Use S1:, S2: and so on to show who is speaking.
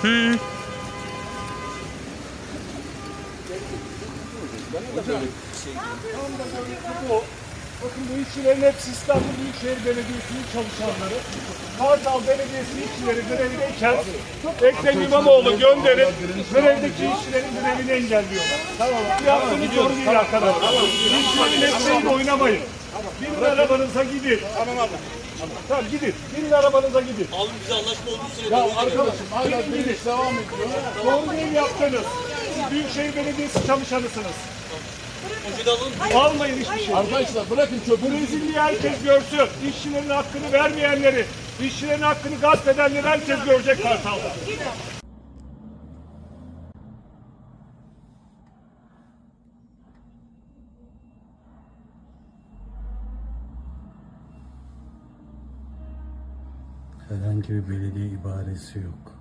S1: Hı.
S2: Bakın bu işçilerin hepsi İstanbul Büyükşehir Belediyesi'nin çalışanları. Kartal Belediyesi işçileri grevdeyken Ekrem İmamoğlu gönderip grevdeki işçilerin grevini engelliyorlar. Tamam. Yaptığınız doğru değil arkadaşlar. İşçilerin ekmeğiyle oynamayın. Binin arabanıza gidin.
S3: Tamam abi.
S2: Tamam gidin. Binin arabanıza gidin.
S3: Abi bize anlaşma olduğu sürece.
S2: Ya arkadaşım hala direniş devam ediyor. Doğru değil yaptınız. Siz Büyükşehir Belediyesi çalışanısınız.
S3: Poşeti alalım.
S2: Almayın hiçbir şey.
S4: Arkadaşlar bırakın çöpü.
S2: Brezilya herkes görsün. İşçilerin hakkını vermeyenleri, işçilerin hakkını gasp edenleri herkes görecek Kartal'da.
S1: Herhangi bir belediye ibaresi yok.